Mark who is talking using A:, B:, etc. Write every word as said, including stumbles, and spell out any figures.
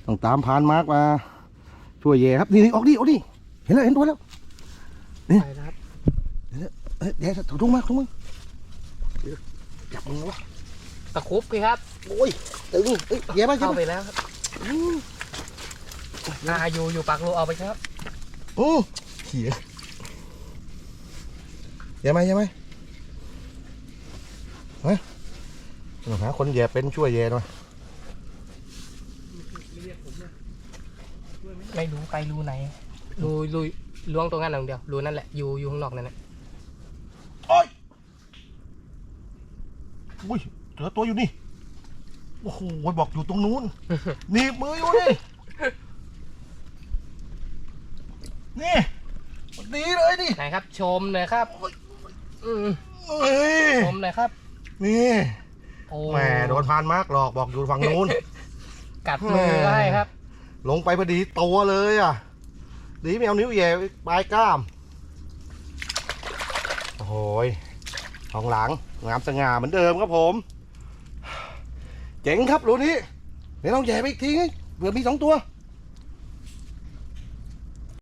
A: ต้องตามพานมาร์กมาช่วยเย่ครับนี่ออกดิออกดิเห็นแล้วเห็นตัวแล้วนี่
B: ไปครับ
A: เอ้ยเดี๋ยวถอดทุ่งมาทุ่งมึงจับมึงวะ
B: ตะคุบพี่ครับ
A: โอ้ยตึงเอ้ยเย่ไปเย่
B: เข้า
A: ไป
B: ไปแล้วครับอ่าอยู่อยู่ปากรูเอาไปครับ
A: โอ้เขี่ยเย่ไหมเย่ไหมเฮ้ยหาคนแย่เป็นช่วยแย่หน่อย
B: ไม่รู้ไปรูไหนรูรูล้วงตรงนั้นอย่างเดียวรูนั่นแหละอยู่อยู่ข้างนอกนั่นแหละ
A: โอ้ยอุ้ยเจอตัวอยู่นี่โอ้โหบอกอยู่ตรงนู้นหนีบมืออยู่นี่นี่ดีเลยดิ
B: ไหนครับ ชมเลยครับอืม
A: เอ้ย
B: ชมเลยครับ
A: นี่
B: โอ้
A: แหมโดนพานมากหลอกบอกอยู่ฝั่งนู้น
B: กัดมือให้ครับ
A: ลงไปพอดีตัวเลยอ่ะดีไม่เอานิ้วแย่ปลายกล้ามโอ้โหของหลังงามสง่าเหมือนเดิมครับผมเจ๋งครับรูนี้เดี๋ยวลองแย่ไปอีกทีเผื่อมีสองตัว